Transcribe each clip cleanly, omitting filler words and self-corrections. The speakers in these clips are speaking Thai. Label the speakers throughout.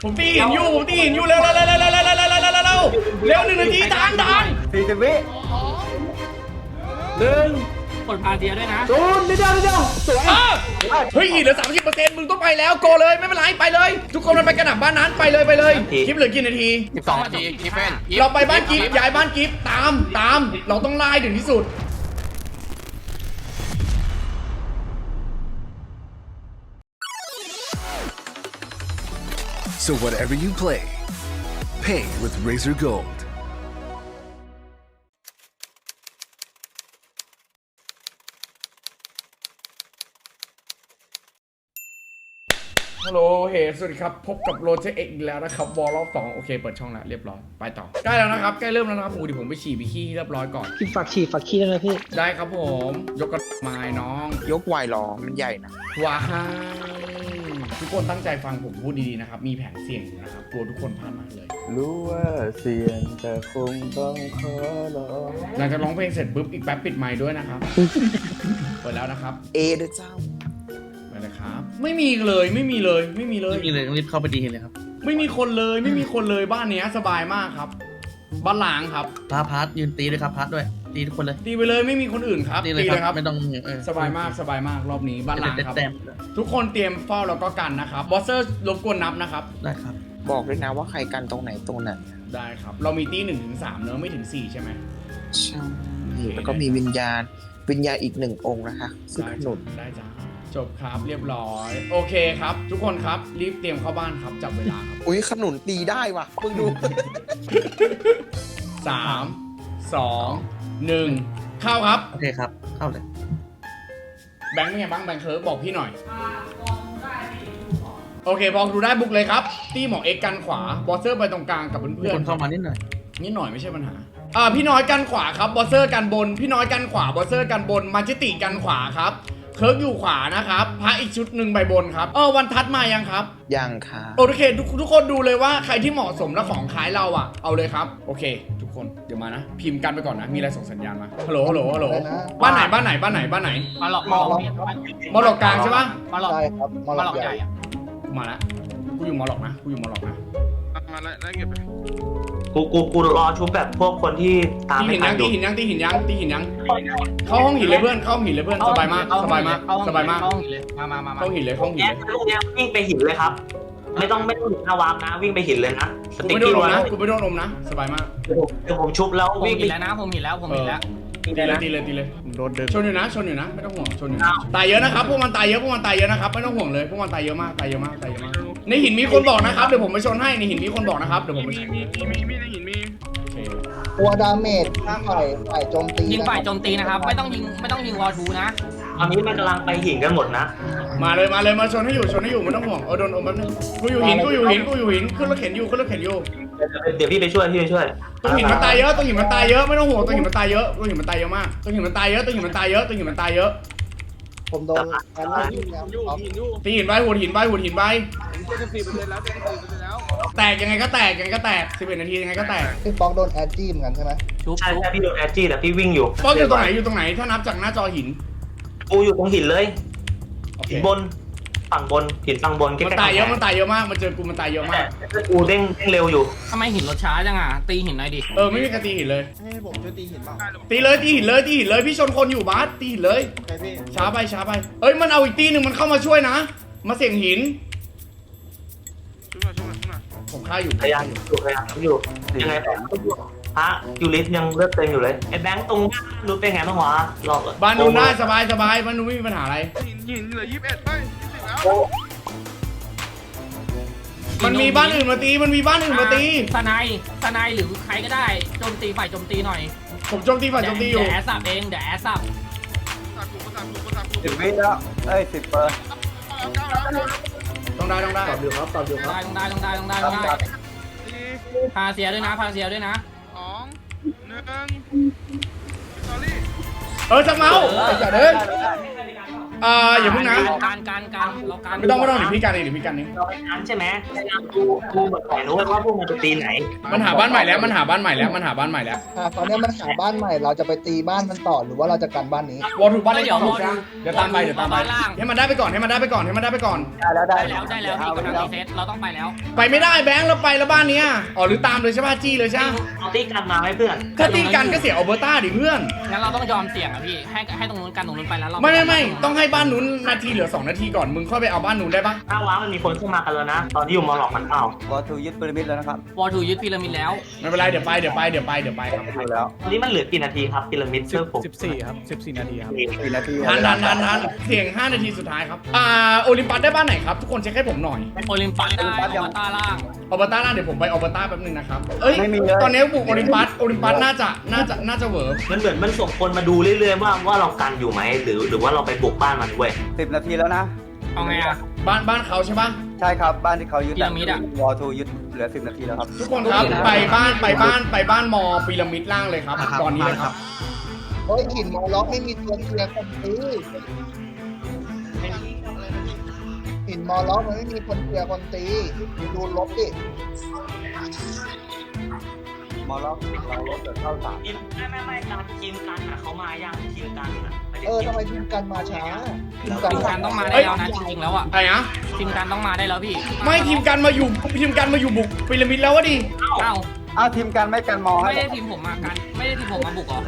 Speaker 1: ผมตีหินอยู่เร็วเร็ว1 นาทีดัน
Speaker 2: 40 วิ
Speaker 3: กดพาเทียด้วยนะ
Speaker 2: 0นิดเดียวสวย
Speaker 1: เฮ้ยเหลือ 30%มึงต้องไปแล้วโกเลยไม่เป็นไรไปเลยทุกคนมันไปกระหน่ำบ้านนั้นไปเลยคลิปเหลือกี่นาที
Speaker 4: 12 นาทีกิฟเฟน
Speaker 1: เราไปบ้านกิฟย้ายบ้านกิฟตามเราต้องไล่ถึงที่สุด
Speaker 5: So whatever you play, pay with Razer Gold.
Speaker 1: ฮัลโหลสวัสดีครับพบกับโรเจอร์เอ็กอีกแล้วนะครับวอลรอบ2โอเคเปิดช่องแล้วเรียบร้อยไปต่อใกล้แล้วนะครับใกล้เริ่มแล้วนะครับเดี๋ยวผมไปฉี่ไปขี้เรียบร้อยก่อน
Speaker 2: พี่ฝากขี้ได้ไหมพี่
Speaker 1: ได้ครับผมยกกระไม้น้อง
Speaker 4: ยกไวหรอมันใหญ่นะ
Speaker 1: ว้ายทุกคนตั้งใจฟังผมพูดดีๆนะครับมีแผนเสี่ยงอยู่นะครับกลัวทุกคนพลาดมากเลย
Speaker 2: รู้ว่าเสี่ยงแต่คงต้องขอลอง
Speaker 1: หลังจากร้องเพลงเสร็จปุ๊บอีกแป๊บปิดไมค์ด้วยนะครับ เปิดแล้วนะครับ
Speaker 4: เด้อเจ้า
Speaker 1: ไปเลยครับไม่มีเลยต้อง
Speaker 3: รีบเข้าไปดีเลยครับ
Speaker 1: ไม่มีคนเลยบ้านเนี้ยสบายมากครับบ้านล้างครับ
Speaker 3: พาร์ทยืนตีด้วยครับพาร์ทด้วยตีทุกคนเลย
Speaker 1: ตีไปเลยไม่มีคนอื่นครับ
Speaker 3: ตีเลยครับไม่ต้อง
Speaker 1: สบายมากรอบนี้บ้านล้างครับ
Speaker 3: แต้ม
Speaker 1: ทุกคนเตรียมเฝ้าแล้วก็กันนะครับบอสเซอร์รบกวนนับนะครับ
Speaker 3: ได้ครับ
Speaker 4: บอกด้วยนะว่าใครกันตรงไหนตรงนั้น
Speaker 1: ได้ครับเรามีตี1 ถึง 3เนอะไม่ถึง4ใช่ไหม
Speaker 4: ใช่แล้วก็มีวิญญาณอีก1 องค์นะคะซึ่งขนุน
Speaker 1: ได้จ้าจบครับเรียบร้อยโอเคครับทุกคนครับรีบเตรียมเข้าบ้านครับจับเวลาครับ
Speaker 4: อุ้ยขนุนตีได้ว่ะเพิ่งดู
Speaker 1: 3 2 1เข้าครับ
Speaker 3: โอเคครับเข้าเลย
Speaker 1: แบงค์เป็นไงบ้างแบงค์เคิร์ฟบอกพี่หน่อยโอเคพอดูได้บุกเลยครับตีหมอเอ็กกันขวาบอสเซอร์ไปตรงกลางกับ
Speaker 3: มี
Speaker 1: เพื่อน
Speaker 3: คนเข้ามานิดหน่อย
Speaker 1: นิดหน่อยไม่ใช่ปัญหาพี่น้อยกันขวาครับบอสเซอร์กันบนพี่น้อยกันขวาบอสเซอร์กันบนมาจิติกันขวาครับเคิร์ฟอยู่ขวานะครับพระอีกชุดหนึ่งใบบนครับวันทัดมายังครับ
Speaker 4: ยังค่ะ
Speaker 1: โอเคทุกคนดูเลยว่าใครที่เหมาะสมและของขายเราอ่ะเอาเลยครับโอเคทุกคนเดี๋ยวมานะพิมพ์กันไปก่อนนะมีอะไรส่งสัญญาณมาฮัลโหลบ้านไหนบ้านไหน
Speaker 3: มาหลอก
Speaker 1: มอหลอกกลางใช่ปะ
Speaker 3: มาหลอก
Speaker 2: ใช่ครับมอลใหญ่
Speaker 1: กูมาละกูอยู่มอหลอกนะ
Speaker 6: มาแล้วเก็บไป
Speaker 7: กูรอชุบแบบพวกคนที่ตาม
Speaker 1: ตี
Speaker 7: ไม่
Speaker 1: หิน
Speaker 7: ทั
Speaker 1: ยั
Speaker 7: น
Speaker 1: ง
Speaker 7: อยู่
Speaker 1: ตีหินยังเข้าห้องหินเลยเพื่อนสบายมากสบายมาก
Speaker 3: เข้าหินเลยมา
Speaker 1: เข้าหินเลย
Speaker 7: แย่ลูกเนี้ยวิ่งไปหินเลยครับ ไม่ต้องถึงหน้าวาร์ปนะ วิ่งไปหินเลยนะส
Speaker 1: กู
Speaker 7: ติ๊ก
Speaker 1: ไม่โด
Speaker 7: กี้
Speaker 1: นอม
Speaker 7: วะ
Speaker 1: นะกูไม่โดนอมนะสบายมาก
Speaker 7: เดี๋ยวผมชุบแล้ว
Speaker 3: ผม
Speaker 7: วิ่ง
Speaker 3: หิ
Speaker 7: ไป
Speaker 3: นแล้วนะผมหินแล้ว
Speaker 1: ตีเลยโดนดึงชนอยู่นะไม่ต้องห่วงชนอยู่นะตายเยอะนะครับพวกมันตายเยอะนะครับไม่ต้องห่วงเลยพวกมันตายเยอะมากในหินมีคนบอกนะครับเดี๋ยวผมไปชนให้ในหินมีคนบอกนะครับเดี๋ยวผมไปชน
Speaker 6: มีในหินมี
Speaker 2: ตัวดาเมจฝ่ายโจมตี
Speaker 3: ยิงฝ่ายโจมตีนะครับไม่ต้องยิงวอลทูนะ
Speaker 7: ตอนนี้มันกำลังไปหินกันหมดนะ
Speaker 1: มาเลยมาชนให้อยู่ไม่ต้องห่วงโดนอมแป๊บนึงกูอยู่หินขึ้นรถเข็นอยู่
Speaker 7: เดี๋ยวพี่ไปช่วย
Speaker 1: ตัวหินมันตายเยอะไม่ต้องห่วงตัวหินมันตายเยอะมากตัวหินมันตายเยอะ
Speaker 2: ผมโดนการไล่ยิงแล้ว
Speaker 1: ตีหินไปหัวหินไป
Speaker 6: 74%แล้ว74%แล้ว
Speaker 1: แตกยังไงก็แตก11 นาทียังไงก็แตก
Speaker 2: พี่ป๊อกโดนแอดจี้เหมือนกันใช่ไหม
Speaker 3: ชุบ
Speaker 7: ใช่พี่โดนแอดจี้แต่พี่วิ่งอยู่
Speaker 1: ป้องอยู่ตรงไหนถ้านับจากหน้าจอหิน
Speaker 7: กูอยู่ตรงหินเลย
Speaker 1: โอเค
Speaker 7: หินบนฝั่งบนหินฝั่งบน
Speaker 1: มันตายเยอะมากมันเจอกูมันตายเยอะมาก
Speaker 7: กูเด้งเร็วอยู่
Speaker 3: ทำไมหินรถช้าจังอ่ะตีหินหน่อยดิ
Speaker 1: ไม่มีกระตีหินเลย
Speaker 2: ให้ผมช่วยตีหินเปล่า
Speaker 1: ตีเลยพี่ชนคนอยู่บาสตีหินเลย
Speaker 2: ใช่พี่
Speaker 1: ช้าไปมันเอาอีกตีหนึ่งมันเข้ามาช่วยนะมาเสี่ยงหิน
Speaker 6: ช่วยหน่อย
Speaker 1: ผมฆ่าอยู่
Speaker 7: พยายามอยู่ยังไงแต่พระยูริสยังเลือดเต็มอยู่เลยไอ้แบงค์ตรงรู้เป็นไงบ้างวะรอ
Speaker 1: บ้านนู้นได้สบายบ้านนู้นไม่มีปัญหาอะไร
Speaker 6: หินเหลือ21เฮ้ย20แล้ว
Speaker 1: มันมีบ้านอื่นมาตี
Speaker 3: สไนหรือใครก็ได้โจมตีฝ่ายโจมตีหน่อย
Speaker 1: ผมโจมตีอยู่
Speaker 3: เดี๋ยวแอสซับเองเดี๋ยวแอสซับ
Speaker 6: ประสาทกู
Speaker 2: 10 วิแล้ว10 เปอร์
Speaker 1: ต้องได้
Speaker 2: ตอบอยู่ครับ
Speaker 3: ต้องได้พาเสียด้วยนะ
Speaker 6: 2 1 สตอรี่
Speaker 1: จะเมาจัดเลยอย่าเพิ่งนะ
Speaker 3: การเราการ
Speaker 1: ไม่ต้องเดี๋ยวพี่กันเอง
Speaker 7: เราไปนั้นใช่ไหมดูเหมือนไหนรู้ว่าพวกมันจะตีไหน
Speaker 1: มันหาบ้านใหม่แล้ว
Speaker 8: ตอนนี้มันหาบ้านใหม่เราจะไปตีบ้านมันต่อหรือว่าเราจะกันบ้านนี้
Speaker 1: วอลถูกบ้านเล็กถูกนะเดี๋ยวตามไปให้มันได้ไปก่อน
Speaker 3: ได้แล้วพี่กำลังรีเซ็ตเราต้องไปแล้ว
Speaker 1: ไปไม่ได้แบงค์เราไปแล้วบ้านเนี้ยอ๋อหรือตามเลยใช่ป่ะจี้เลยใช่
Speaker 7: เอาตีกันมาไหมเพื่อน
Speaker 1: ถ้าตีกันก็เสียอัลเบอร์ต้าดิเพื่อน
Speaker 3: งั้นเราต้องยอมเสี่ยงอ่ะพี่ให้ตรงนู้นกันตรงนู้นไปแล้วเรา
Speaker 1: ไม่ต้องให้บ้านนู้นนาทีเหลือ2 นาทีก่อนมึงค่อยไปเอาบ้านนู้นได้ปะ
Speaker 7: ถ้าว้ามันมีคนเข้ามากันแล้วนะ ตอนที่อยู่มอหลอกมันเปล่า
Speaker 2: วอทูยึดพีระมิดแล้วนะครับ
Speaker 3: วอทูยึดพีระมิดแล้ว
Speaker 1: ไม่เป็นไรเดี๋ยวไปครับ
Speaker 2: ดูแล้ว
Speaker 7: ตอนนี้มันเหลือกี่นาทีครับพีระมิดเซิร์ฟผม
Speaker 2: 14 ครับ 14 นาทีครับ4 นาที
Speaker 1: ทันเสียง5 นาทีสุดท้ายครับโอลิมปัสได้บ้านไหนครับทุกคนเช็คให้ผมหน่อย
Speaker 3: โอลิมปัสได้อัลต้าล่าง
Speaker 1: อัลเบอร์ต้าน่าเดี๋ยวผมไปอัลเบอร์ต้าแป๊บนึงนะครับเอ้ย
Speaker 2: ไม่มีเลย
Speaker 1: ตอนนี้บุกโอลิมปัสน่าจะเวิร์ก
Speaker 7: มันเหมือนมันส่งคนมาดูเรื่อยๆว่าเรากันอยู่ไหมหรือว่าเราไปบุกบ้านมันเว้ย
Speaker 2: 10 นาทีแล้วนะ
Speaker 3: เอาไงอ่ะ
Speaker 1: บ้านเขาใช่ปะ
Speaker 2: ใช่ครับบ้านที่เขายึด
Speaker 3: พีระมิดอะ
Speaker 2: วอทูยึดเหลือ 10 นาทีแล้วครับ
Speaker 1: ทุกคนครับไปบ้านมอพีระมิดล่างเลยครับตอนนี้เลยครับ
Speaker 8: เฮ้ยหินมอล็อกไม่มีตัวเคลียร์คนตีหินมอล็อกมันไม่มีคนเคลียร์คนตีดูลบดิ
Speaker 2: มอล็อกเราลดเหลือเข้า3
Speaker 7: ไม่การทีมกันอะเขามายังทีมกันอะ
Speaker 8: ทำไมทีมกันมาช้า
Speaker 3: ทีมการต้องมาได้แล้วนะจริงๆแล้วอ่ะ
Speaker 1: อะไรนะ
Speaker 3: ทีมการต้องมาได้แล้วพี่
Speaker 1: ไม่ทีมกันมาอยู่บุกพีระมิดแล้ววะดิ
Speaker 3: เอ้า
Speaker 2: อ้าวทีมกันไม่กันมอให้
Speaker 3: ไม่ได้ทีมผมมากันไม่ได้ทีมผมมาบุกหรอ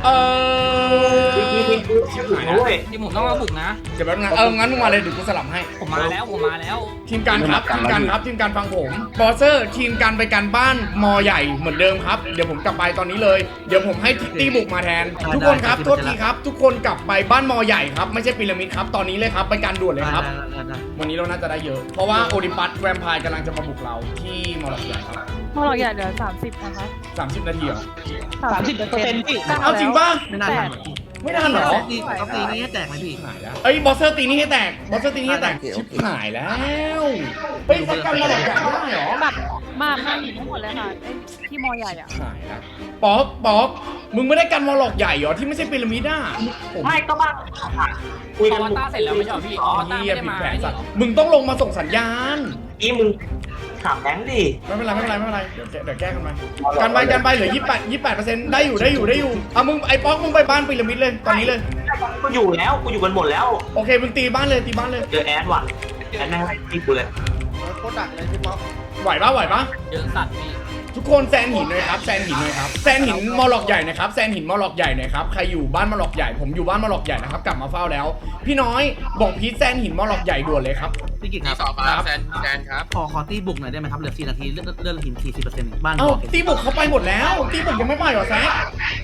Speaker 7: โอ้ย
Speaker 3: ทีมผมต้องมาบุกนะ
Speaker 1: เดี๋ยวแป๊บนึงงั้นมึงมาเลยเดี๋ยวกูสลับให้
Speaker 3: ผมมาแล้ว
Speaker 1: ทีมกันฟังผมบอสเซอร์ทีมกันไปกันบ้านมอใหญ่เหมือนเดิมครับเดี๋ยวผมกลับไปตอนนี้เลยเดี๋ยวผมให้ตีบุกมาแทน ทุกคนครับโทษทีครับทุกคนกลับไปบ้านมอใหญ่ครับไม่ใช่พีระมิดครับตอนนี้เลยครับไปการด่วนเลยครับวันนี้เราน่าจะได้เยอะเพราะว่าโอลิมปัสแวมไพร์กำลังจะมาบุกเราที่มอลล์ใหญ่ครับ
Speaker 9: มอลล์ใหญ่เหลือ30นะคะ
Speaker 1: 30 นาทีเหรอ
Speaker 3: 30%พี่
Speaker 1: เอาจริงป่ะ
Speaker 3: ไม่น่าทัน
Speaker 1: ไม่ทันเหรอ
Speaker 3: ต้องตีนี้ให้แตกไหมพี่
Speaker 1: หายแล้วเอ้ยบอสเซอร์ตีนี่ให้แตกชิบหายแล้วไปสักกันมาหลอกใหญ่ไม่ได้เหรอ
Speaker 9: แบบมาหินทั้งหมดเลยค่ะไอ้ที่มอลล์ใหญ่อ่ะ
Speaker 1: หายแล้วป๊อกมึงไม่ได้กันมอลล็อกใหญ่เหรอที่ไม่ใช่พีระมิดอ่ะ
Speaker 7: ไม่ก็บ้านคุย
Speaker 3: อ
Speaker 7: กัน
Speaker 3: วตารเสร็จแล้วไม่ใช่เหรอพี่อวตาร
Speaker 1: เฮีย
Speaker 3: ไม่ได้
Speaker 1: ผิด
Speaker 3: มา
Speaker 1: แผนสัตว์มึงต้องลงมาส่งสัญญาณ
Speaker 7: นี่มึงถามแบงค์ดิ
Speaker 1: ไม่เป็นไรเดี๋ยวแก้กันไปเหลือ28%ได้อยู่เอามึงไอ้ป๊อกมึงไปบ้านพีระมิดเลยตอนนี้เลย
Speaker 7: กูอยู่กันหมดแล้ว
Speaker 1: โอเคมึงตีบ้านเลย
Speaker 7: เจอแอดว่ะแอดแม่งตีกูเลย
Speaker 6: โคตรดักเลยพี่ป๊อก
Speaker 1: ไหวปะ
Speaker 3: เยอะสัตว์พี่
Speaker 1: ทุกคนแซนหินหน่อยครับแซนหินมอลล็อกใหญ่นะครับใครอยู่บ้านมอลล็อกใหญ่ผมอยู่บ้านมอลล็อกใหญ่นะครับกลับมาเฝ้าแล้วพี่น้อยบอกพีทแซนหินมอลล็อกใหญ่ด่วนเลยครับ
Speaker 10: พี่กิตครับ
Speaker 6: แซนครับ
Speaker 10: ขอตีบุกหน่อยได้ไหมครับเหลือ4 นาทีเลื่อนหิน 40%บ้าน
Speaker 1: เอ้า
Speaker 10: บอก
Speaker 1: ตีบุกเขาไปหมดแล้วตีบุกยังไม่ไปเหรอแซค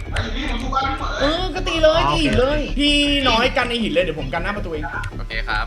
Speaker 1: ก็ตีเลยตีหินเลยพี่น้อยกันในหินเลยเดี๋ยวผมกันหน้าประตูเอง
Speaker 6: โอเคครับ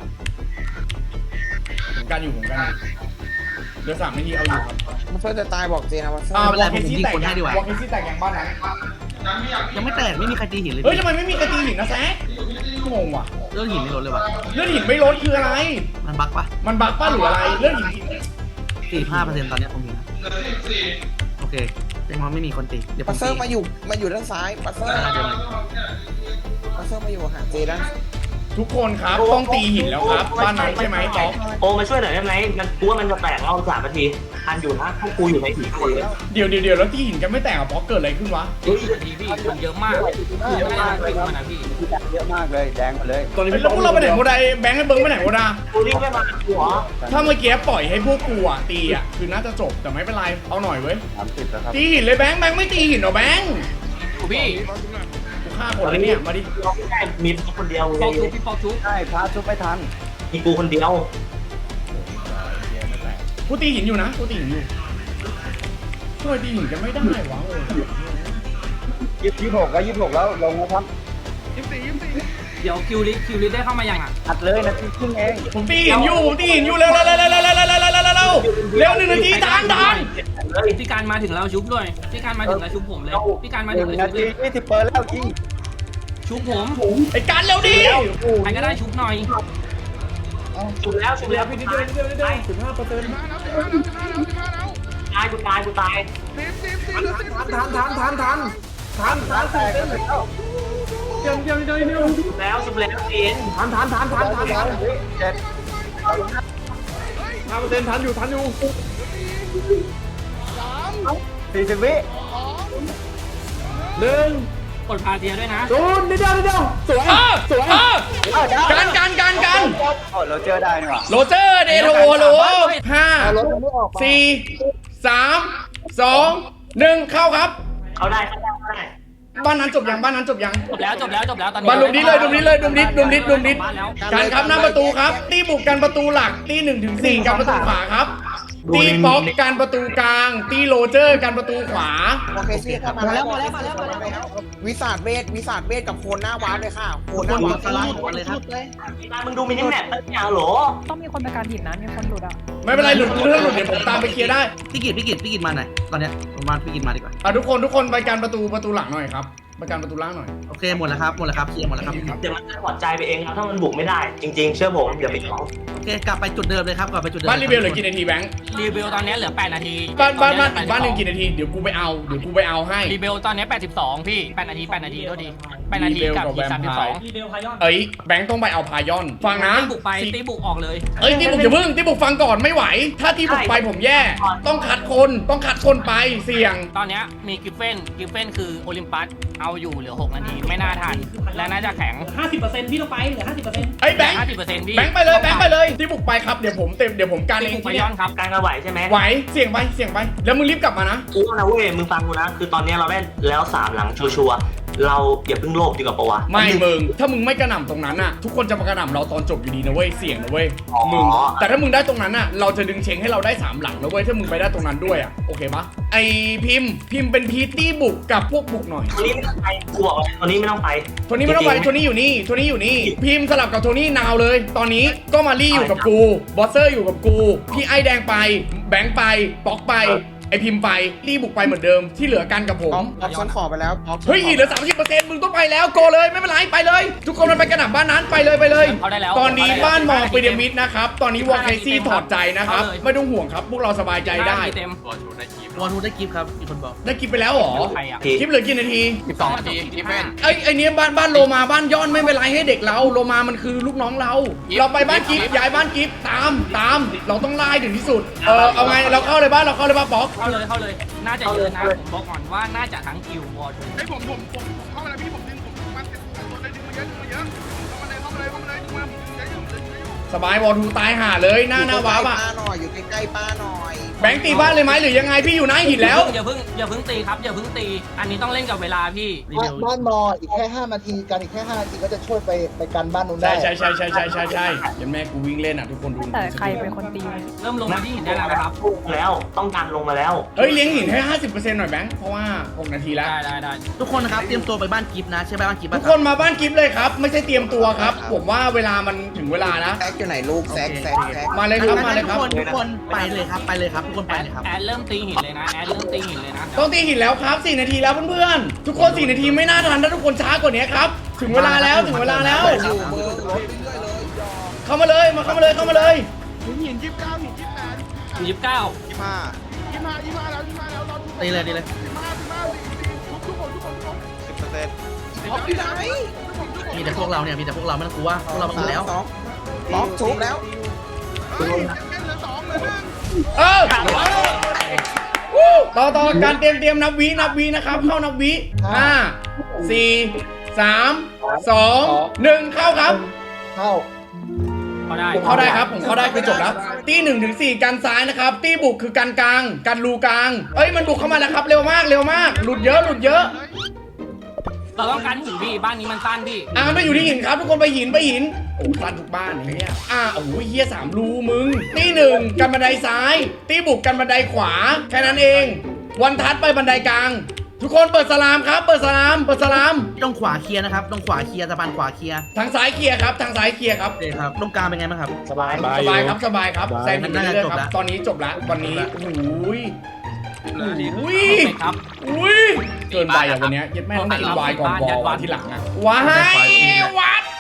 Speaker 1: ผมกันอยู่เดี๋ยว3 นาทีเอาอยู่ครับ
Speaker 4: มันเพื่อจะตายบอกเจนะว่า
Speaker 1: วอลเคซี่แตกอย่างบ้านนั้น
Speaker 10: ยังไม่แตกไม่มีใครตีหินเลย
Speaker 1: เฮ้ยทำไมไม่มีกระตีหินนะแซคงงว่ะ
Speaker 10: เรื่องหินไม่ลดเลยว่ะ
Speaker 1: เลือดหินไม่ลดคืออะไร
Speaker 10: มันบั๊กปะ
Speaker 1: มันบั๊กป้าหรืออะไรเลือดหิน
Speaker 10: 45%ตอนเนี้ยผมเห็นนะโอเคแสดงว่าไม่มีคนตีเดี๋ยวผ
Speaker 4: ปัส
Speaker 10: ม
Speaker 4: เซอ
Speaker 10: ตี
Speaker 4: ร์มาอยู่ด้านซ้ายปัสเซอร์มาอยู่หาเจด้าน
Speaker 1: ทุกคนครับต้องตีหินแล้วครับบ้านนั้นใช่ไหมต๊อก
Speaker 7: โอมาช่วยหน่อยได้ไหมมันกูว่ามันจะแตกเรา3 นาทีทันอยู่นะพวกกูอยู่ในหินคนเลย
Speaker 1: เดี๋ยวแล้วตีหินกันไม่แตกอ่ะป๊อกเกิดอะไรขึ้นวะ
Speaker 3: พี่มันเยอะมากคือไม่ได้จริงมันนะพี่
Speaker 2: เยอะมากเลยแดงหมดเลย
Speaker 1: แล้วพวกเราไปไหนโมดาแบงค์ให้เบิ้งไปไหนโมดา
Speaker 7: กูรีบไม่มากูเหรอ
Speaker 1: ถ้าเมื่อกี้ปล่อยให้พวกกูอ่ะตีอ่ะคือน่าจะจบแต่ไม่เป็นไรเอาหน่อยเว้ย
Speaker 2: 30แล้วครับ
Speaker 1: ตีหินเลยแบงค์ไม่ตีหินเหรอแบงค์
Speaker 3: พี่
Speaker 1: กูฆ่าคนเลยเนี่ยมาดิ
Speaker 7: เราไม่ได้มีคนเดียว
Speaker 3: ปอกชุบพี่ปอกชุบ
Speaker 2: ใช่พระชุบไม่ทัน
Speaker 7: มีกูคนเดียว
Speaker 1: กูตีหินอยู่นะกูตีหินอยู่ช่วยตีหินกันไม่ได้วะ
Speaker 2: 26แล้วลงนะครับ
Speaker 3: เดี๋ยวคิวลิได้เข้ามายังอ่ะ
Speaker 2: อัดเลยนาทีครึ่งเอง
Speaker 1: ผมตีหินอยู่เร็ว1 นาทีทัน
Speaker 3: พี่การมาถึงแล้วชุบด้วยพี่การมาถึงแล้วชุบผมเลยพี่การมาถึงแล้ว
Speaker 2: 1 นา
Speaker 3: ชุบ
Speaker 2: ที20เปิดแล้วยิง
Speaker 3: ชุบผม
Speaker 1: ไอ้การเร็วดิ
Speaker 3: ใครก็ได้ชุบหน่อย
Speaker 7: ชุบแล้วพี่นิดเดียวตายกูตาย
Speaker 6: 10
Speaker 2: ทันแตกแล้ว
Speaker 7: แล้วสุดแล้วเอ็น
Speaker 3: ทัน
Speaker 1: 5%ทันอยู่
Speaker 2: 40 วิ
Speaker 3: กดพาเทียด้วยนะ
Speaker 1: สวยกัน
Speaker 2: โอ้เราเจอได้นี่หว่า
Speaker 1: โรเจอร์เดโทโลห้า
Speaker 8: เอารถมันไม่ออกมา
Speaker 1: สี่3 2 1เข้าครับ
Speaker 7: เขาได้
Speaker 1: บ้านนั้นจบยัง
Speaker 3: จบแล้วตอนนี้
Speaker 1: บ้านดุมนิดดุมนิด
Speaker 3: บ้านแล้ว
Speaker 1: กันครับหน้าประตูครับตีบุกกันประตูหลักตี1 ถึง 4กันประตูขวาครับตีป๊อกกันประตูกลางตีโรเจอร์กันประตูขวา
Speaker 4: โอเคซี่เข้ามาแล้ววิสาดเวทกับโคนหน้าวาร์ปเลยค่ะโคนหน้าวาร์ป
Speaker 10: สไลด์หมดเลยครับ
Speaker 7: มึงดูมินิแมปตั้งยาวเหรอ
Speaker 9: ต้องมีคนไปการหินนะมีคนหลุดอ่ะ
Speaker 1: ไม่เป็นไรหลุดเรื่องหลุดเดี๋ยวผมตามไปเคลียร์ได้
Speaker 10: พี่กิตมาหน่อยตอนเนี้ยผมมาพี่กิตมาดีกว่า
Speaker 1: ทุกคนไปกันประตูหลังหน่อยครับไปกันประตูล่างหน่อย
Speaker 10: โอเคหมดแล้วครับเคลียร์หมดแล้วครับ
Speaker 7: เดี๋ยวมันจะถอดใจไปเองครับถ้ามันบุกไม่ได้ จริง ๆ เชื่อผมอย่าไปท้อง
Speaker 10: โอเคกลับไปจุดเดิมเลยครับ
Speaker 1: บ้านรีเบลเหลือกี่นาทีแบงค์
Speaker 3: รีวิวตอนนี้เหลือ8นาที
Speaker 1: บ้านอีกบ้านหนึ่งกี่นาทีเดี๋ยวกูไปเอาให้
Speaker 3: รีวิวตอนนี้82พี่8นาทีโทษที8นาทีกับอีก32
Speaker 1: เอ้ยแบงค์ต้องไปเอาพายอนฟังนะ
Speaker 3: ตีบุกไปตีบุกออกเลย
Speaker 1: เอ้ยตีบุกอย่าเพิ่งตีบุกฟังก่อนไม่ไหว ถ้าตีบุกไปผมแย่ต้องคัดคนไปเสี่ยง
Speaker 3: ตอนนี้มีกิฟเฟนคือโอลิมปัสเอาอยู่เหลือ6นาทีไม่น่าทันและน่าจะแข็ง
Speaker 11: 50%พี่ต้องไปเหลือ 50%
Speaker 1: ไอ้ยแบงค์
Speaker 3: 50%พี่
Speaker 1: แบงค์ไปเลยตีบุกไปครับเดี๋ยวผมการเอง
Speaker 3: พ
Speaker 1: ที่
Speaker 3: ย
Speaker 1: เนี่
Speaker 3: อย นครับ
Speaker 7: การกระไหวใช่ไหม
Speaker 1: ไหวเสี่ยงไปแล้วมึงรีบกลับมานะ
Speaker 7: กูนะเว้ยมึงฟังกูนะคือตอนนี้เราได้แล้ว3หลังชัวร์เราอย่าเพิ่งโลภดีกว่าปะวะ
Speaker 1: ไม่มึงถ้ามึงไม่กระหน่ำตรงนั้นน่ะทุกคนจะมากระหน่ำเราตอนจบอยู่ดีนะเว้ยเสี่ยงนะเว้ยมึงแต่ถ้ามึงได้ตรงนั้นน่ะเราจะดึงเชงให้เราได้3หลังนะเว้ยถ้ามึงไปได้ตรงนั้นด้วยอ่ะโอเคปะไอพิมพ์เป็นพีตี้บุกกับพวกบุกหน่อย
Speaker 7: ตัวนี้ไม่ต้องไปกูบอกเลยตัวนี้ไม่ต้องไป
Speaker 1: โทนี่ไม่ต้องไปโทนี่อยู่นี่พิมพ์สลับกับโทนี่นาวเลย ตอนนี้ก็มารี่อยู่กับกูบอสเซอร์อยู่กับกูพี่ไอแดงไปแบงค์ไปป๊อกไปไอพิมพ์ไปรีบุกไปเหมือนเดิมที่เหลือกันกับผม
Speaker 4: ออปชั่นขอไปแล้ว
Speaker 1: เฮ้ยเหลือ 30%มึงต้องไปแล้วโกเลยไม่เป็นไรไปเลย ทุกคนมันไปกระหน่ำบ้านนั้นไปเลย
Speaker 3: เขาได้แล้ว
Speaker 1: ตอนนี้บ้านมองพีระมิดนะครับตอนนี้วอลเคซี่ถอดใจนะครับไม่ต้องห่วงครับพวกเราสบายใจได้
Speaker 3: เต็ม
Speaker 10: วอลทูได้กิฟต์ครับมีคนบอก
Speaker 1: ได้กิฟไปแล้วเหรอ
Speaker 3: ใครอ่ะ
Speaker 1: คลิปเหลือกี่นาที
Speaker 3: 12นาทีที่เป็น
Speaker 1: ไอ้เนี้ยบ้านโลมาบ้านย้อนไม่เป็นไรให้เด็กเราโลมามันคือลูกน้องเราไปบ้านกิฟย้ายบ้านกิฟตามเราต้องไล่ถึงที่สุดเอาไงเราเข้าเลยบ้านป๊อก
Speaker 3: เข้าเลยน่าจะเยอะนะผมบอกก่อนว่าน่าจะทั้งคิววอร์ทู
Speaker 6: ไอ้ผมเข้ามาแล้วพี่ผมดึงมาตัวได้ดึงมาเยอะเข้ามาเลยผมดึงเยอะ
Speaker 1: สบายวอลทูตายห่าเลยหน้าวาร์ปอ่ะ
Speaker 4: ป้าหน่อยอยู่ใกล้ๆป้าหน่อย
Speaker 1: แบงค์ตีบ้านเลยไหมหรือยังไงพี่อยู่หน้าหินแล้ว
Speaker 3: อย่าเพิ่งตีครับอย่าเพิ่งตีอันนี้ต้องเล่นกับเวลาพี่
Speaker 8: บ้านมออีกแค่5นาทีกันอีกแค่5นาทีก็จะช่วยไปกันบ้านนู้นได้
Speaker 1: ใช่ยันแม่กูวิ่งเล่นอ่ะทุกคนดู
Speaker 9: แต่ใครเป็นคนตี
Speaker 3: เริ่มลงมาที่หินได้แล้วนะครับ
Speaker 7: แล้วต้องการลงมาแล้ว
Speaker 1: เฮ้ยเลี้ยงหินให้ 50% หน่อยแบงค์เพราะว่า6นาทีแล้ว
Speaker 3: ได้
Speaker 10: ทุกคนนะครับเตรียมตัวไปบ้านกิฟต์นะใช่ไหมบ้านกิฟต์
Speaker 1: ทุกคนมาบ้านกิฟต์เลยครับไม่ใช่เตรียมตัวครับผมว่าเวลามันถึงเวลานะ
Speaker 4: แซกอยู่ไหนลูกแซก
Speaker 1: มาเลยครับมาเลยครับ
Speaker 10: ทุกคนไปเลยครับทุกคนไปเลยครับ
Speaker 3: แอดเริ่มตีหินเลยนะ
Speaker 1: ต้องตีหินแล้วครับ4นาทีแล้วเพื่อนๆทุกคน4นาทีไม่น่าทันถ้าทุกคนช้ากว่านี้ครับถึงเวลาแล้ว
Speaker 4: อยู่เบอร์รถเรื่อยเลย
Speaker 1: เข้ามาเลยเข้ามาเลย
Speaker 6: หิน29หิน28
Speaker 3: 29
Speaker 6: 25แล้วเรา
Speaker 10: ตีเลย
Speaker 6: ทุกคน10%
Speaker 4: ที่ไหน
Speaker 10: มีแต่พวกเราเนี่ยไม่ต้องกลัวพวกเรามากันแล้ว
Speaker 4: ป๊อกชุบแล้ว
Speaker 6: เฮ้ยเหลือ2เหลือ1
Speaker 1: ต่อการเตรียมนับวินะครับเข้านับวิ5 4 3 2 1เข้าครับ
Speaker 8: เข้า
Speaker 1: ผมเข้าได้ครับผมเข้าได้คือจบแล้วตี1 ถึง 4กันซ้ายนะครับตีบุกคือกันกลางกันรูกลางเอ้ยมันบุกเข้ามาแล้วครับเร็วมากหลุดเยอะ
Speaker 3: เราต้องการหินพี่บ้านนี้มันสั้นพี่
Speaker 1: ไปอยู่ที่หินครับทุกคนไปหินโอ้สั้นทุกบ้านอย่างเงี้ยโอ้ยเฮีย3รูมึงตี1กันบันไดซ้ายตีบุกกันบันไดขวาแค่นั้นเองวันทัดไปบันไดกลางทุกคนเปิดสลามครับเปิดสลาม
Speaker 10: ต้องขวาเคลียร์นะครับต้องขวาเคลียร์สะพานขวาเคลียร์
Speaker 1: ทางซ้ายเคลียร์ครับโอเค
Speaker 10: ครับตรงกลางเป็นไงบ้างครับ
Speaker 1: สบายครับแซงหินไปเรื่อยๆครับตอนนี้จบแล้ววันนี้อุ้ยเกินไปอ่ะวันนี้ยัดแม่ต้องกินวายก่อนวอลที่หลังอ่ะว้ายวัด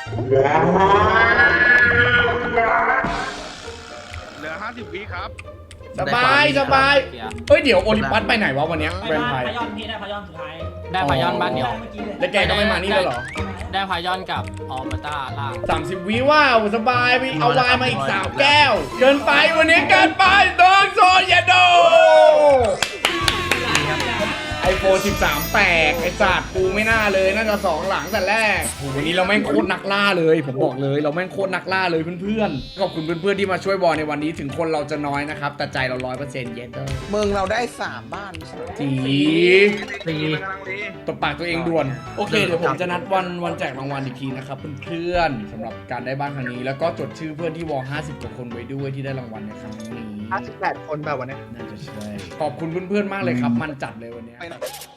Speaker 6: เหลือ50 วิครับ
Speaker 1: สบายเฮ้ยเดี๋ยวโอลิมปัสไปไหนวะวันนี้แวมไพร์
Speaker 11: พยอนพี่ได้พยอนสุดท้าย
Speaker 3: ได้พายอนบ้านเดียว
Speaker 1: แล้วแกก็ไม่มานี่แล้วเหรอ
Speaker 3: ได้พายอนกับออมต้าล่าง
Speaker 1: 30 วิว้าวสบายไปเอาไวน์มาอีก3แก้ว เกินไปวันนี้เกินไปโดนโซนอย่าโดไอโฟน13 แตกไอศาสตร์กูไม่น่าเลยน่าจะ2หลังแต่แรกโหวันนี้เราแม่งโคตรนักล่าเลยผมบอกเลยเราแม่งโคตรนักล่าเลยเพื่อนๆขอบคุณเพื่อนๆที่มาช่วยบอลในวันนี้ถึงคนเราจะน้อยนะครับแต่ใจเรา 100% เย็นเด้อ
Speaker 4: เมืองเราได้3บ้านไม่ใช่เหรอ
Speaker 1: จี
Speaker 10: ตี
Speaker 1: ตบปากตัวเองด่วนโอเคเดี๋ยวผมจะนัดวันแจกรางวัลอีกทีนะครับเพื่อนๆสำหรับการได้บ้านครั้งนี้แล้วก็จดชื่อเพื่อนที่วอล50 กว่าคนไว้ด้วยที่ได้รางวัลในครั้งนี้
Speaker 8: 58 คนแบบวันนี้
Speaker 1: น่าจะใช่ขอบคุณเพื่อนๆมากเลยครับมันจัดเลยวันนี้
Speaker 4: ไปนะ